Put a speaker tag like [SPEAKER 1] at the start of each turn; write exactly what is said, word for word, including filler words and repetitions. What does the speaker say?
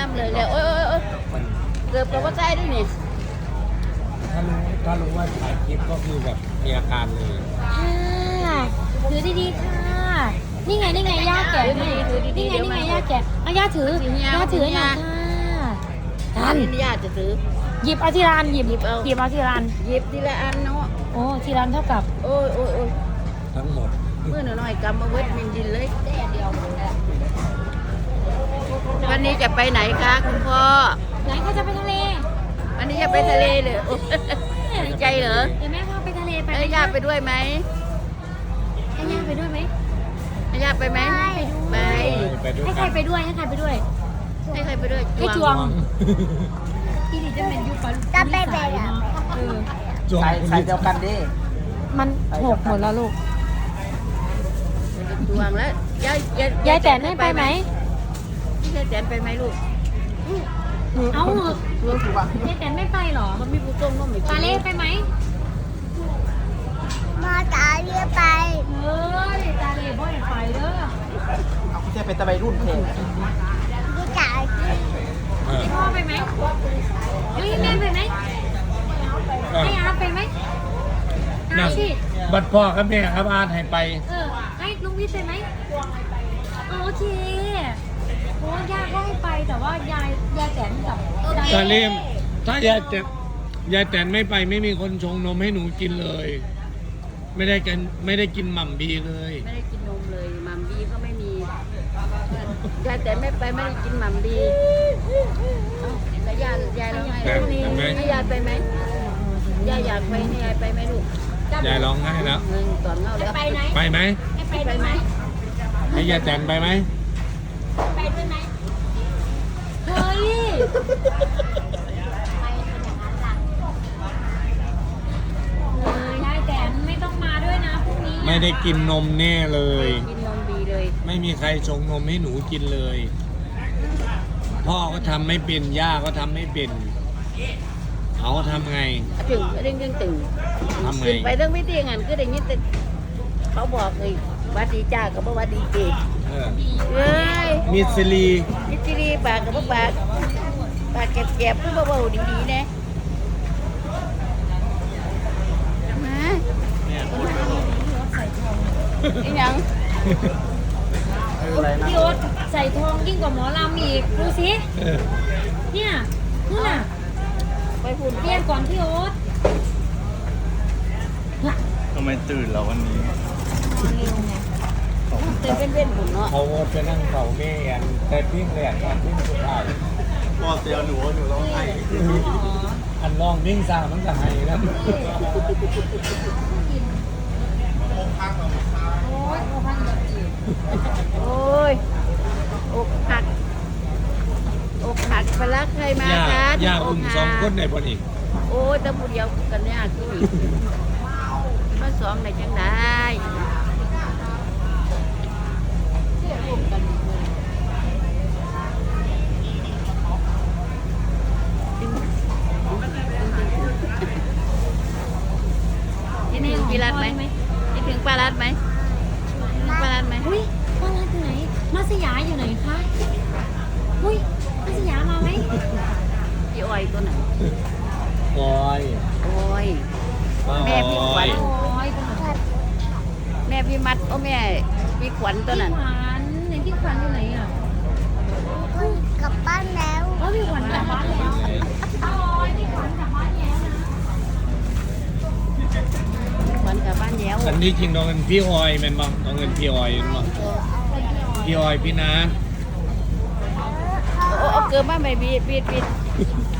[SPEAKER 1] ำเลยเลยโอ้ยโอ้ยเกือบกับว่าใจด้วยนี่
[SPEAKER 2] ถ้ารู้ถ้ารู้ว่าถ่ายคลิปก็คือแบบมีอาการเลย
[SPEAKER 3] ค่ะถือดีๆค่ะนี่ไงนี่ไงย่าแกะให้นี่ไงนี่ไงย่าแกะเอาย่าถือย่าถือหน่อยค่ะ
[SPEAKER 1] อันนี้ย่าจะถือ
[SPEAKER 3] หยิบเอาทีละอันหยิบหยิบเอาหยิบเอาทีละอัน
[SPEAKER 1] หยิบทีละอันเนาะ
[SPEAKER 3] โอ้ทีละอันเท่ากับ
[SPEAKER 1] โอ้ยโอ้ยโอ้ย
[SPEAKER 2] ทั้งหมด
[SPEAKER 1] เมื่อหน่อยกำมาเวทมินดินเลยแค่เดียววันนี้จะไปไหนคะคุณพ่อ
[SPEAKER 3] ไหนเขาจะไปทะเล
[SPEAKER 1] วันนี้จะไปทะเลเลยดีใจเหรอ
[SPEAKER 3] เดี๋ยวแม่พาไปทะเลไป
[SPEAKER 1] ให้ย่าไปด้วยไหม
[SPEAKER 3] ให้ย่าไปด้วยไหม
[SPEAKER 1] ให้ย่าไปไหมไป
[SPEAKER 3] ให้ใครไปด้วยให้ใครไปด้วย
[SPEAKER 1] ให้ใครไปด้วย
[SPEAKER 3] ให้จวงที่นี่จะเป็นยุคปัจจุบันจะไปไปอ่ะ
[SPEAKER 2] ใส่ใส่เดียวกันดิ
[SPEAKER 3] มันหกหมดแล้วลูก
[SPEAKER 1] จวงแล้วยาย
[SPEAKER 3] ยายแตนให้ไปไหม
[SPEAKER 1] ยายแตนไปไหมลูก
[SPEAKER 3] เอาเหอะยายแตนไม่ไปหรอ
[SPEAKER 1] มันมีผู้ชมก็ไม่
[SPEAKER 3] ตาเล่ไปไหม
[SPEAKER 4] มาตาเรียไป
[SPEAKER 3] เฮ้ยตาเล่บ่อยไปเด้อ
[SPEAKER 2] เอาคุณจะเป็นตะไบรุ่นเพลง
[SPEAKER 4] กูจ่าย
[SPEAKER 3] พ่อไปไหมเฮ้ยแม่ไปไหมให้อาไปไหมอาสิ
[SPEAKER 2] บัดพ่อครับแม่ครับอาให้ไป
[SPEAKER 3] เออให้ลุงวิทย์ไปไหมโอเคโอ้ยายก็ให้ไปแต่ว่ายายยายแตนกับ
[SPEAKER 2] ตาเล่มถ้ายายแตนยายแตนไม่ไปไม่มีคนชงนมให้หนูกินเลยไม่ได้กันไม่ได้กินหม่ำบีเลย
[SPEAKER 1] ไม่ได้กินนมเลยหม่ำบีก็ไม่มียายแต่ไม่ไปไม่ได้กินหม่ำบีแล้วยายยายร้องไห้ให้ยายไปไหมยายอยากไปให้ยายไปไหมลูก
[SPEAKER 2] ยายร้องไห้แล้ว
[SPEAKER 1] เงินต่อเงาแล้ว
[SPEAKER 3] ไปไหม
[SPEAKER 2] ไปไหม
[SPEAKER 3] ไปไหม
[SPEAKER 2] ให้ยายแตนไปไหม
[SPEAKER 3] ไปด้วยไหมเฮ้ยยายแตนไม่ต้องมาด้วยนะพรุ่งนี้
[SPEAKER 2] ไม่ได้กินนมแน่เลย
[SPEAKER 1] กินนมบีเลย
[SPEAKER 2] ไม่มีใครชงนมให้หนูกินเลยพ่อก็ทำไม่เป็นย่าก็ทำไม่เป็นเขาทำไง
[SPEAKER 1] ถึงเร่งเร่งตึง
[SPEAKER 2] ทำไง
[SPEAKER 1] ไปเรื่องวิธีงานก็ได้ยินแต่เขาบอกเลยวัดดีจ้ากับวัดดีเกศเฮ้ย
[SPEAKER 2] มิสลี
[SPEAKER 1] มิสลีปากกับปากปากแก็บๆก็เบาๆดีๆนะมาไอ้ยัง
[SPEAKER 3] พี่โอ๊ตใส่ทองยิ่งกว่าหมอลำอีกดูสิเนี่ยนู่นน่ะ
[SPEAKER 1] ไปพูด
[SPEAKER 3] เรียนก่อนพี่โอ๊ต
[SPEAKER 5] ทำไมตื่นแล้ววันนี้
[SPEAKER 1] ตื่นเป็นเว้นบุญเนาะ
[SPEAKER 2] เขาไปนั่งเขาแม่กันแต่ปิ้งแหลกตอนปิ้งสุดท้าย
[SPEAKER 5] พอเสียหนูหนูร้องไห้
[SPEAKER 2] อันลองปิ้งซามันจะไห้แล้ว
[SPEAKER 1] โอ้ยอกหักอกหักไปรักใครมาคะ
[SPEAKER 2] ย่าอุ้มสองคนในบ่อนอีก
[SPEAKER 1] โอ้ยแต่ผู้เดียวกันเนี่ยคืออีกมาสองในจังได้นี่ถึงปลาลัดไหมนี่ถึงปลาลัดไหมปลาลัดไหม
[SPEAKER 3] อุ้ยปลาลัดอยู่ไหนมาสยามอยู่ไหนคะอุ้ยมาสยามมาไหม
[SPEAKER 1] พี่อ้อยตัวไหน
[SPEAKER 2] อ้อย
[SPEAKER 1] อ้อยแม่พี่ขวัญแม่พี่มัดโอ้แม่พี่ขวัญตัวนั้น
[SPEAKER 3] พี่ขวัญไหนพี่ขวัญอยู่ไหนอ่ะ
[SPEAKER 4] กลับบ้านแล้ว
[SPEAKER 3] เออพี่ขวัญกลับบ้านแล้วโอ้ยพี่ขวัญกลับบ้านแล้วนะ
[SPEAKER 1] พี่ขวัญกลับบ้านแล้ว
[SPEAKER 2] อันนี้จริงน้องเงินพี่ออยแม่นบ่น้องเงินพี่ออยแม่นบ่พี่ออยพี่นัท
[SPEAKER 1] โอ้เอาเกินมาไม่บีดบีดบีด